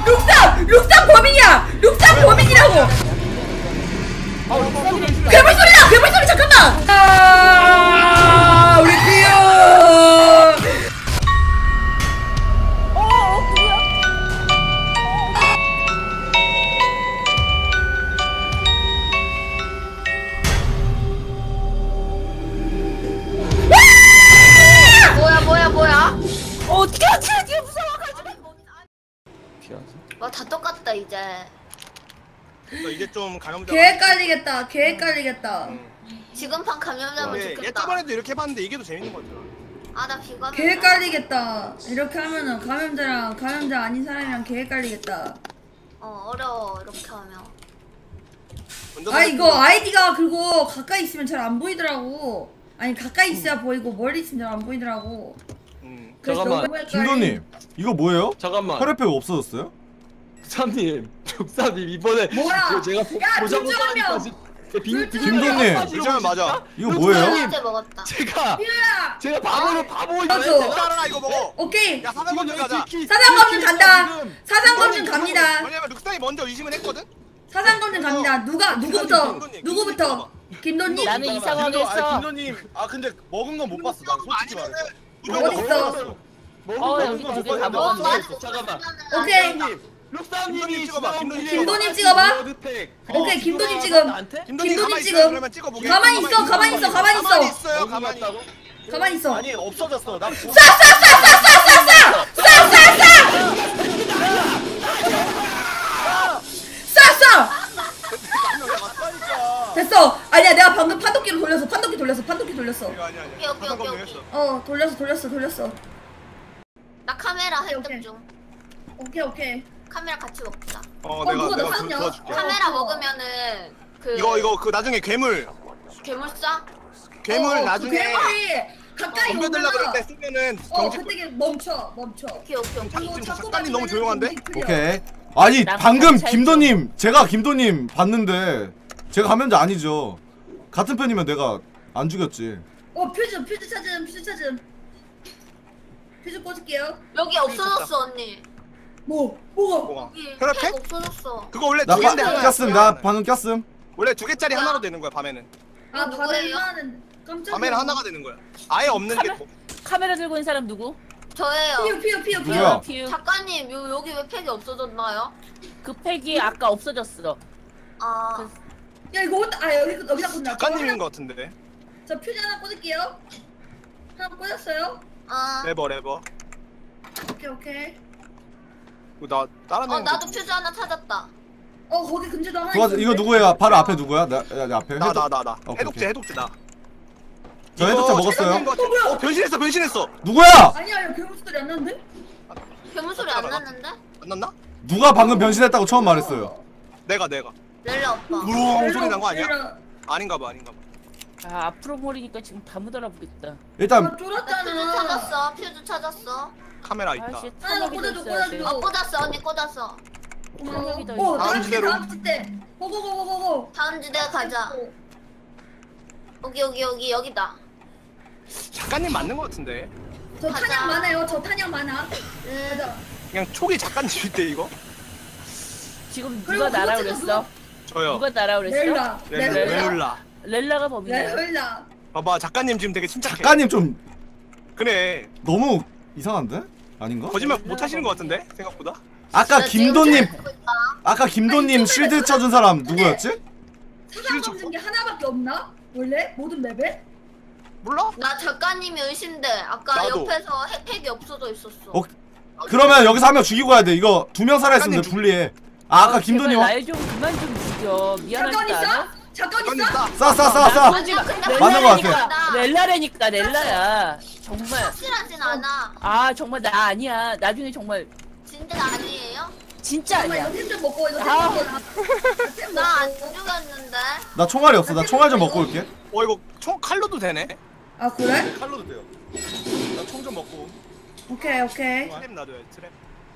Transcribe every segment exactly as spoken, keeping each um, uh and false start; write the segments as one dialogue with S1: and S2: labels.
S1: 룩삼! 룩삼 범인이야! 룩삼 범인이라고! 괴물 소리다! 괴물 소리 잠깐만! 아 우리 삐요!
S2: 뭐야 뭐야 뭐야?
S3: 어떻게 하지? 뒤에 무서워가지고.
S2: 와 다 똑같다 이제.
S4: 이제 좀 감염자.
S1: 개 헷갈리겠다. 개 헷갈리겠다.
S2: 지금 판 감염자면
S4: 네,
S2: 좋겠다.
S4: 얘 저번에도 이렇게 해봤는데 이게 더 재밌는 거죠.
S2: 아 나 비감.
S1: 개 헷갈리겠다. 이렇게 하면은 감염자랑 감염자 아닌 사람이랑 개 헷갈리겠다.
S2: 어 어려워 이렇게 하면.
S1: 아 이거 아이디가 그리고 가까이 있으면 잘 안 보이더라고. 아니 가까이 있어야 음. 보이고 멀리 있으면 잘 안 보이더라고.
S4: 음.
S5: 잠깐만 김도님 이거 뭐예요? 잠깐만 혈액팩 없어졌어요?
S6: 육삼님 육삼님 이번에
S1: 뭐야?
S6: 제가
S1: 야 김주환이야.
S5: 김도님
S4: 김주환 맞아.
S5: 이거 뭐예요?
S2: 어제 먹었다.
S6: 제가
S1: 삐야.
S6: 제가 바보로 바보
S1: 맞아.
S4: 따라 이거 먹어.
S1: 오케이.
S4: 야 사상 검증 가자.
S1: 사상 검증 간다. 사상 검증 갑니다.
S4: 왜냐면 룩상이 먼저 의심을 했거든.
S1: 사상 검증 갑니다. 누가 누구부터? 누구부터? 김도님?
S3: 나는 이상하게 했어.
S7: 김도님, 아 근데 먹은 건 못 봤어. 난 솔직히 말해.
S1: 어딨어?
S3: 어 여기 두 개 다 먹었네.
S6: 잠깐만
S1: 오케이.
S6: 룩삼님이
S4: 찍어봐,
S1: 김도님 찍어봐. 오케이 김도님 지금. 김도님 지금. 가만히 있어. 가만히 있어. 가만히 있어.
S4: 있어요. 가만히 있다고?
S1: 가만히 있어.
S7: 아니 없어졌어. 나
S1: 됐어. 아니야 내가 방금 판독기로 돌렸어. 판독기 돌렸어. 판독기 돌렸어.
S4: 아니 아니.
S2: 오케이 오케이 오케이 오케이.
S1: 어 돌렸어 돌렸어 돌렸어.
S2: 나 카메라
S1: 오케이.
S2: 획득 중.
S1: 오케이 오케이.
S2: 카메라 같이 먹자.
S4: 어
S1: 어,
S4: 내가
S1: 누가
S4: 내가
S1: 나섰냐?
S4: 도와줄게.
S2: 카메라
S1: 어.
S2: 먹으면은 그
S4: 이거 이거 그 나중에 괴물
S2: 괴물 쏴?
S4: 괴물
S1: 어,
S4: 나중에
S1: 그 괴물이 가까이
S4: 덤벼들라 그럴 때
S1: 오면
S4: 쓰면은
S1: 어
S4: 정지.
S1: 그때 멈춰 멈춰.
S2: 오케이 오케이 오케이.
S1: 그리고
S4: 지금
S1: 자꾸
S4: 작가님 너무
S1: 맞으면은
S4: 조용한데?
S1: 정신 풀려.
S5: 오케이 아니
S3: 난
S5: 방금
S3: 같이
S5: 김도님 제가 김도님 봤는데 제가 감염자 아니죠. 같은 편이면 내가 안 죽였지.
S1: 어 퓨즈 퓨즈 찾음 퓨즈 찾음. 퓨즈 꽂을게요.
S2: 여기 없어졌어 언니.
S1: 뭐 뭐가?
S4: 뭐가?
S2: 여기
S4: 혈액팩?
S2: 팩 없어졌어.
S4: 그거 원래
S5: 나
S4: 두
S5: 파,
S4: 개인데 하나.
S5: 꼈음 나 방금 꼈음.
S4: 원래 두 개짜리 하나로 되는 거야 밤에는.
S1: 아
S2: 이거
S1: 밤에
S2: 누구예요?
S1: 하나는 깜짝이야.
S4: 밤에는 하나가 되는 거야. 아예 없는 게.
S3: 카메- 카메라 들고 있는 사람 누구?
S2: 저예요.
S1: 피우 피우 피우 피우.
S5: 누구야?
S3: 피우.
S2: 작가님 요 여기 왜 팩이 없어졌나요?
S3: 그 팩이 아까 없어졌어.
S2: 아
S1: 야 이거 어디- 아 여기 여기다 꽂나?
S4: 작가님인 거 같은데.
S1: 저 퓨즈 하나 꽂을게요. 하나 꽂았어요.
S2: 아.
S4: 레버 레버.
S1: 오케이 오케이.
S4: 나 다른
S2: 어
S4: 애.
S2: 나도 퓨즈 하나 찾았다.
S1: 어 거기 금지도 하나
S5: 누가
S1: 있는데?
S5: 이거 누구예요? 바로 앞에 누구야? 나, 야, 야, 앞에
S4: 나
S5: 해독-
S4: 나 나 나.
S5: 오케이,
S4: 해독제
S5: 오케이.
S4: 해독제 나.
S5: 저
S4: 이거
S5: 해독제 먹었어요.
S4: 작가님인 거 같아.
S1: 어, 뭐야?
S4: 어 변신했어 변신했어.
S5: 누구야?
S1: 아니야 야 괴물 소리 안 나는데?
S2: 괴물 소리 안 났는데?
S4: 안 났나?
S5: 누가 방금 변신했다고 처음 말했어요.
S4: 내가 내가.
S2: 렐라 오빠.
S4: 우렁 소리 난 거 아니야?
S1: 얘들아,
S4: 아닌가 봐 아닌가 봐.
S3: 아 앞으로 모르니까 지금 다 묻어나보겠다.
S5: 일단
S1: 아
S2: 퓨즈
S1: 쫄았잖아.
S2: 찾았어. 퓨즈 찾았어.
S4: 카메라 있다.
S3: 아씨
S1: 하나
S3: 탄약이
S1: 꽂아줘,
S3: 있어야 돼.
S1: 꽂아줘.
S2: 어 꽂았어 언니 꽂았어.
S3: 탄약이 더
S1: 어
S3: 있어.
S1: 다음
S4: 다음
S1: 주대
S4: 주제로.
S1: 다음 주대. 고고고고고고.
S2: 다음 주대 가자. 여기 여기 여기 여기다.
S4: 작가님 맞는 거 같은데.
S1: 저
S2: 가자.
S1: 탄약 많아요. 저 탄약 많아.
S2: 음.
S1: 가자.
S4: 그냥 초기 작가님인데 이거?
S3: 지금
S1: 그리고
S3: 누가 나라
S1: 그거
S3: 그랬어?
S4: 저요.
S3: 누가 나라 그랬어?
S1: 렐라.
S4: 렐-
S1: 렐라.
S4: 렐라.
S3: 렐라가 범인이야.
S1: 렐라.
S4: 봐봐 작가님 지금 되게 침착해.
S5: 작가님 좀
S4: 그래.
S5: 너무 이상한데? 아닌가?
S4: 거짓말 못 하시는 거 같은데 생각보다.
S5: 아까
S2: 나 지금
S5: 김도님
S2: 찾고 있다.
S5: 아까 김도님 실드 쳐준 사람 누구였지?
S1: 사상 검증 게 하나밖에 없나? 원래 모든 맵에?
S4: 몰라?
S2: 나 작가님이 의심돼. 아까
S4: 나도.
S2: 옆에서 핵팩이 없어져 있었어.
S5: 어, 그러면 여기서 한 명 죽이고 가야 돼. 이거 두 명 살아있으면
S4: 작가님
S5: 불리해. 아 아까 김도님 와.
S3: 날좀 그만 좀 죽여.
S1: 잠깐
S3: 미안하지
S1: 있어?
S3: 않아?
S1: 잠깐
S4: 작가님
S1: 있어?
S4: 싸.
S5: 싸 싸 싸 싸.
S3: 쏘지 마.
S2: 근데
S5: 맞는 거 같아.
S3: 렐라라니까. 렐라라니까 렐라야. 정말.
S2: 확실하진 않아.
S3: 아 정말 나 아니야. 나중에 정말
S2: 진짜 아니에요?
S3: 진짜
S1: 잠깐만
S3: 아니야.
S1: 이거 템 좀 먹고 이거 템
S3: 아.
S1: 먹고 템
S2: 나 안
S1: 먹고.
S2: 죽였는데.
S5: 나 총알이 없어. 나 총알 좀 먹고 올게.
S4: 어 이거 총 칼로도 되네.
S1: 아 그래?
S7: 칼로도 돼요. 나 총 좀 먹고.
S1: 오케이 오케이.
S4: 트랩 놔둬요 트랩.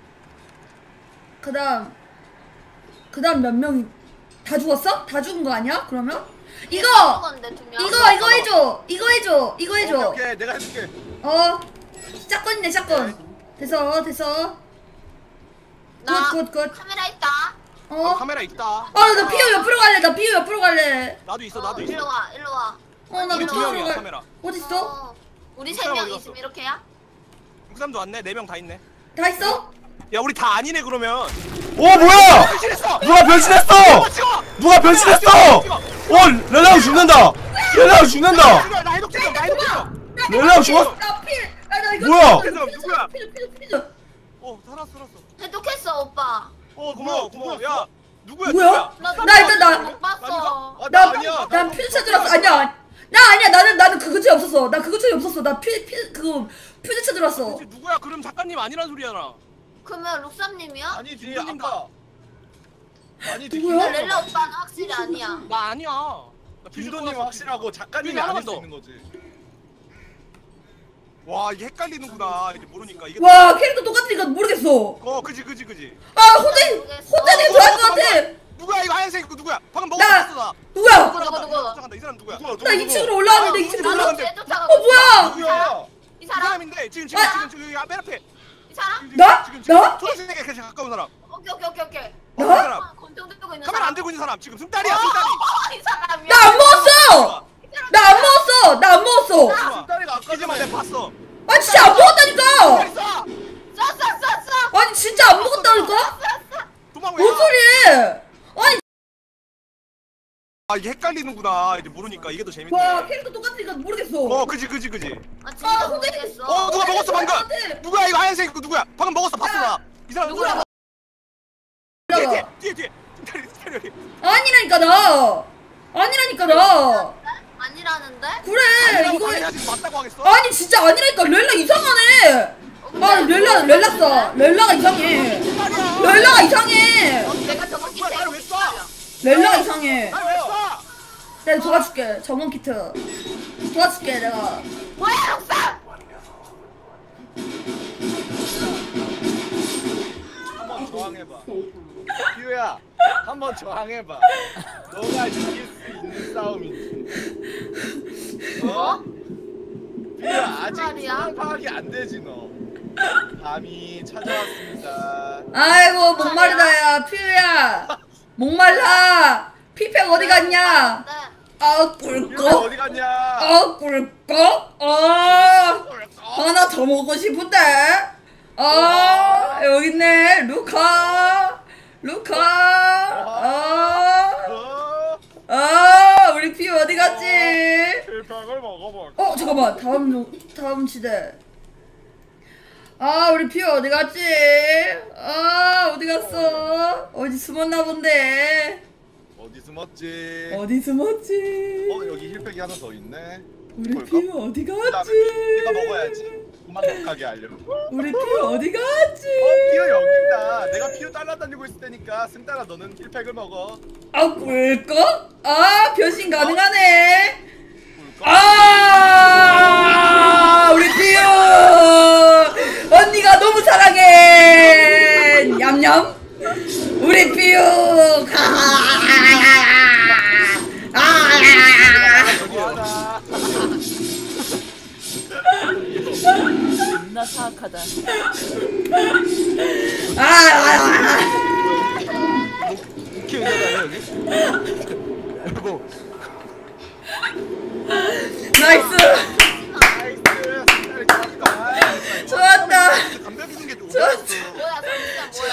S1: 그다음 그다음 몇 명이 다 죽었어? 다 죽은 거 아니야? 그러면? 이거!
S2: 죽었는데, 두 명.
S1: 이거 이거 해줘! 이거 해줘! 이거 해줘!
S7: 오케이, 오케이 내가 해줄게.
S1: 어 샷건이네 샷건. 됐어 됐어.
S2: 나
S1: 굿, 굿, 굿.
S2: 카메라 있다.
S4: 어,
S1: 어?
S4: 카메라 있다.
S1: 아, 나 피오 옆으로 갈래. 나 피오 옆으로 갈래.
S4: 나도 있어,
S2: 어,
S4: 나도 있어.
S2: 일로 와, 일로 와.
S1: 어, 나
S4: 우리
S1: 피오
S4: 두
S1: 옆으로
S4: 명이야,
S1: 갈래.
S4: 카메라.
S1: 어딨어?
S2: 어, 우리 세
S4: 사람
S2: 명이
S4: 어디
S2: 지금
S4: 갔어?
S2: 이렇게야?
S4: 그 사람도 왔네. 네 명 다 있네.
S1: 다 있어?
S4: 야, 우리 다 아니네 그러면.
S5: 오 뭐야?
S4: 변신했어.
S5: 누가 변신했어?
S4: 찍어.
S5: 누가 변신했어? 어 렐라우 죽는다. 렐라우 죽는다.
S4: 찍어. 나 해독 찍어. 나 해독 찍어.
S5: 렐라우 죽었.
S1: 나 피. 아, 나 이거.
S5: 뭐야?
S1: 피드, 피드,
S4: 누구야?
S1: 피드, 피드, 피드.
S4: 어, 살았어, 살았어.
S2: 해독했어 오빠.
S4: 어, 고마워, 고마워. 야, 누구야?
S1: 뭐야?
S2: 나,
S1: 나 일단 나-
S2: 못 봤어.
S7: 아,
S1: 나,
S7: 나 아니야.
S1: 난 퓨즈 찾으러 아니야. 나 아니야. 나는 나는 그 근처에 없었어. 나 그 근처에 없었어. 나 퓨, 퓨, 그거 퓨즈 찾으러 왔어.
S4: 도대체 누구야? 그럼 작가님 아니란 소리잖아.
S2: 그러면 룩삼님이야?
S7: 아니지
S4: 김도님
S7: 아까. 아니지
S1: 누구야?
S2: 근데 렐라 오빠는 확실히 아니야.
S4: 나 아니야. 나
S7: 김도님 확실하고 작가님이
S4: 하나만
S7: 아닐 수
S4: 더.
S7: 있는 거지.
S4: 와, 이게 헷갈리는구나. 이제 모르니까 이게.
S1: 와, 캐릭터 똑같으니까 모르겠어.
S4: 어, 그지, 그지, 그지.
S1: 아, 혼자 혼자님 좋아할 것 같아.
S4: 누구야 이거 하얀색 이거 누구야? 방금
S1: 나-
S4: 먹었어 나.
S1: 누구야?
S2: 누구, 누구, 누구?
S4: 잠깐만 이 사람 누구야?
S7: 누구야, 누구,
S1: 나
S7: 누구?
S1: 이 층으로 올라왔는데
S4: 아,
S1: 이 층으로
S4: 누구야?
S1: 올라.
S2: 나도 쫓아가.
S1: 어, 뭐야?
S7: 누구야?
S2: 이
S4: 이
S2: 사람?
S4: 사람인데 지금 지금
S1: 아!
S4: 지금 지금 여기 맨 앞에.
S2: 이 사람?
S4: 지금,
S1: 나?
S4: 지금 지금
S1: 나?
S4: 초록색에 가장 가까운 사람.
S2: 오케이 오케이 오케이 오케이.
S4: 어, 그
S1: 나?
S4: 사람.
S2: 아, 권총 들고 있는
S4: 카메라
S2: 사람.
S4: 안 들고 있는 사람 지금 승달이야 승달이.
S2: 어, 이 사람이야.
S1: 나 안 먹었어. 나 안 먹었어. 나 안 먹었어.
S7: 승달이가 아까
S4: 이제만 내가 봤어.
S1: 아, 진짜 안 먹었다니까.
S4: 쏴!
S2: 쐈어 쐈어.
S1: 아니, 진짜 안 먹었다니까.
S2: 쐈어.
S4: 도망 왜?
S1: 뭔 소리해? 아니,
S4: 아 이게 헷갈리는구나. 이제 모르니까 이게 더 재밌네.
S1: 와, 캐릭터 똑같으니까 모르겠어.
S4: 어 그지 그지 그지.
S2: 아
S1: 아,
S2: 진짜
S1: 근데-
S2: 모르겠어.
S4: 어 누가 먹었어 방금?
S1: 나한테.
S4: 누구야 이거 하얀색 이거 누구야? 방금 먹었어 봤어 나. 이 사람 누구야? 뒤에 뒤에
S1: 올라가.
S4: 뒤에 뒤에. 승달이 승달이 여기.
S1: 아니라니까 나. 아니라니까 나.
S2: 아니라는데?
S1: 그래
S4: 아니라고
S1: 이거.
S4: 당연하지 맞다고 하겠어?
S1: 아니 진짜 아니라니까 렐라 이상하네. 아 렐라 렐라 싸. 렐라가 이상해. 렐라가 이상해.
S2: 내가 저거
S4: 누가 나를 왜 쏴?
S1: 렐라가 이상해.
S4: 나를 왜 쏴?
S1: 내가 도와줄게. 정원 키트. 도와줄게 내가.
S2: 뭐야 룩삼?
S7: 한번 저항해봐. 기우야, 한번 저항해봐. 너가 이길 수 있는 싸움인지. 어? 기우야, 아직
S2: 말이야?
S7: 상황 파악이 안 되지 너. 밤이 찾아왔습니다.
S1: 아이고 목마르다야 퓨야. 목말라. 피팩 어디 갔냐?
S2: 네.
S1: 아
S7: 기우야
S1: 꿀꺽.
S7: 어디 갔냐?
S1: 아 꿀꺽. 아 하나 더 먹고 싶은데. 아 여기 있네 루카. 루카. 아.
S7: 어?
S1: 아 우리 피 어디 갔지?
S7: 필pak을 먹어볼.
S1: 어 잠깐만 다음 노- 다음 시대. 아 우리 피 어디 갔지? 아 어디 갔어? 어디 숨었나 본데.
S7: 어디 숨었지?
S1: 어디 숨었지?
S7: 어 여기 힐팩이 하나 더 있네.
S1: 우리
S7: 볼까?
S1: 피 어디
S7: 그다음에
S1: 갔지?
S7: 네가 먹어야지. 도망가게 하려고.
S1: 우리 피 어디 갔지?
S7: 어 피어 여기 있다. 내가 피어 따라다니고 있을 테니까 승따라 너는 힐팩을 먹어.
S1: 아 꿀꺽? 아 변신 가능하네. 아 우리 피오 언니가 너무 사랑해 냠냠 우리 피오 아
S7: 여기하다.
S3: 존나 사악하다.
S1: 아
S6: 키우잖아요 여기. 여보.
S1: 나이스
S7: 나이스. 승따라 좋았다.
S1: 좋았다
S4: 담배 피는 게 좀.
S1: 좋았어
S2: 뭐야 진짜 뭐야?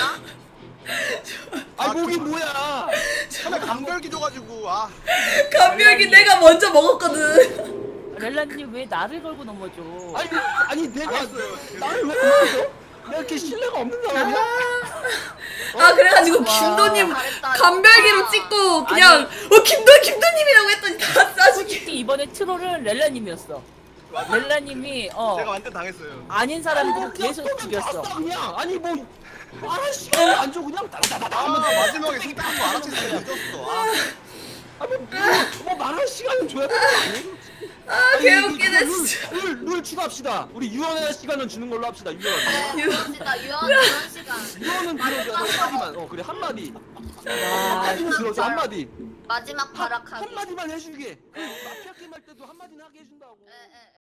S6: 아 목이 뭐야?
S4: 처음에 감별기 줘가지고 아.
S1: 감별기 내가 먼저 먹었거든
S3: 렐라님 왜 나를 걸고 넘어져?
S6: 아니 아니 내가
S4: 알았어요.
S6: 나를 왜 그러죠? 내가 이렇게 신뢰가 없는 사람이야?
S1: 아 그래가지고
S3: 와.
S1: 김도님
S2: 잘했다.
S1: 감별기로 찍고 그냥 어 김도 김도님이라고 했더니 다 싸주기
S3: 솔직히 이번에 트롤은 렐라님이었어. 렐라님이 어
S4: 제가 완전 당했어요.
S3: 아닌 사람들을 계속 죽였어.
S6: 봤어, 그냥 아니 뭐 말할 시간을 안 줘 그냥 다다다다
S4: 아
S6: 하면
S4: 마지막에 승따는 거 알아챘어요. 늦었어. 아.
S6: 아니 뭐, 뭐 말할 시간은 줘야 되는 거 아니에요?
S1: 아 개웃기네 진짜
S6: 룰, 룰 추가합시다. 우리 유언의 시간은 주는 걸로 합시다. 유언.
S2: 네 그럽시다 유언 유언 시간.
S6: 유언은 들어줘 한마디만. 어 그래 한마디.
S3: 아,
S6: 한마디는 들어줘 한마디.
S2: 마지막 발악하기.
S6: 한마디만 해주게. 그 마피아 게임 할 때도 한마디는 하게 해준다고.
S2: 에, 에.